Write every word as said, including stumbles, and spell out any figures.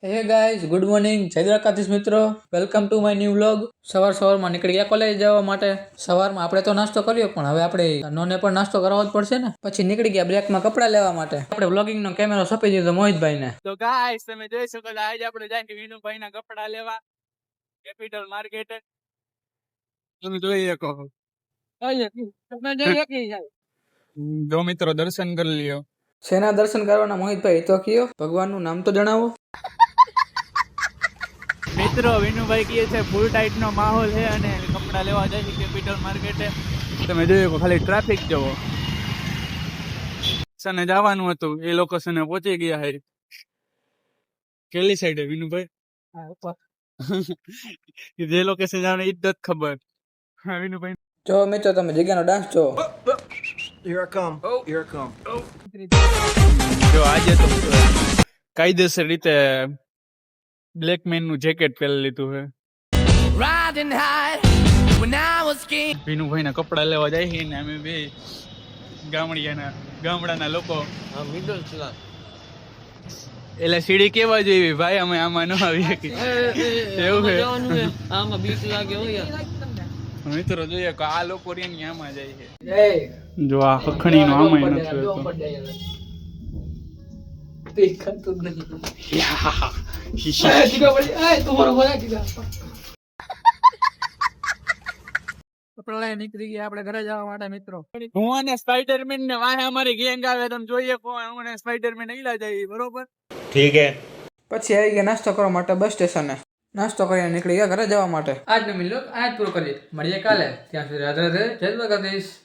Hey guys, good morning, જય દ્વારકાધીશ મિત્રો. Welcome to my new vlog. સવાર સવારમાં નીકળી ગયા કોલેજ જવા માટે. સવારમાં આપણે તો નાસ્તો કર્યો, પણ હવે આપણે નોને પણ નાસ્તો કરાવવો જ પડશે ને. પછી નીકળી ગયા બ્રેકમાં કપડાં લેવા માટે. આપણે વ્લોગિંગનો કેમેરો સોંપી દીધો મોહિતભાઈને. તો ગાઈસ તમે જોઈ શકો છો આજે આપણે જાય વિનુભાઈના કપડા લેવા કેપિટલ માર્કેટ. તમે જોઈ શકો તમે જોઈ શકો જો મિત્રો દર્શન કરી લ્યો. શેના દર્શન કરવાના મોહિતભાઈ? તો કયો ભગવાનનું નામ તો જણાવો. મિત્રો વિનુભાઈ કહે છે ફૂલ ટાઈટ નો માહોલ છે અને કપડા લેવા જાય છે કેપિટલ માર્કેટે. તમે જોઈ શકો ખાલી ટ્રાફિક જવો. સને જવાનું હતું એ લોકો સને પહોંચી ગયા છે. કેલી સાઈડે વિનુભાઈ? જે લોકેશન જવાનું એ જ નથી ખબર. હા વિનુભાઈ જો મિત્રો તમે જગ્યાનો ડાન્સ જો. Here I come. Oh, here I come. જો આજે તો કાયદેસર રીતે બ્લેક મેન નું જેકેટ પહેરી લીધું છે. વિનુભાઈ ના કપડા લેવા જાય છે ને અમે બે ગામડિયાના ગામડાના લોકો. એટલે સીડી કેવા જેવી ભાઈ, અમે આમાં ન આવી શકી એવું છે. આમાં બીક લાગે હોય મિત્રો જોઈએ કે આ લોકો રેની આમાં જાય છે. જો આ હખણી નો આમાં નથી હોતો. નીકળી ગયા આપણે ઘરે જવા માટે મિત્રો. હું અને સ્પાઈડરમેન ને વાહે અમારી ગેંગ આવે, તમે જોઈએ કોણ હું અને સ્પાઈડરમેન ઈલા જાય બરોબર. ઠીક હે. પછી આવી ગયા નાસ્તો કરવા માટે બસ સ્ટેશને. નાસ્તો કરીને નીકળી ગયા ઘરે જવા માટે. આજનો મિલો આજ પૂરો કરીએ. મળીએ કાલે. ત્યાં સુધી રાધે રાધે, જય દ્વારકાધીશ.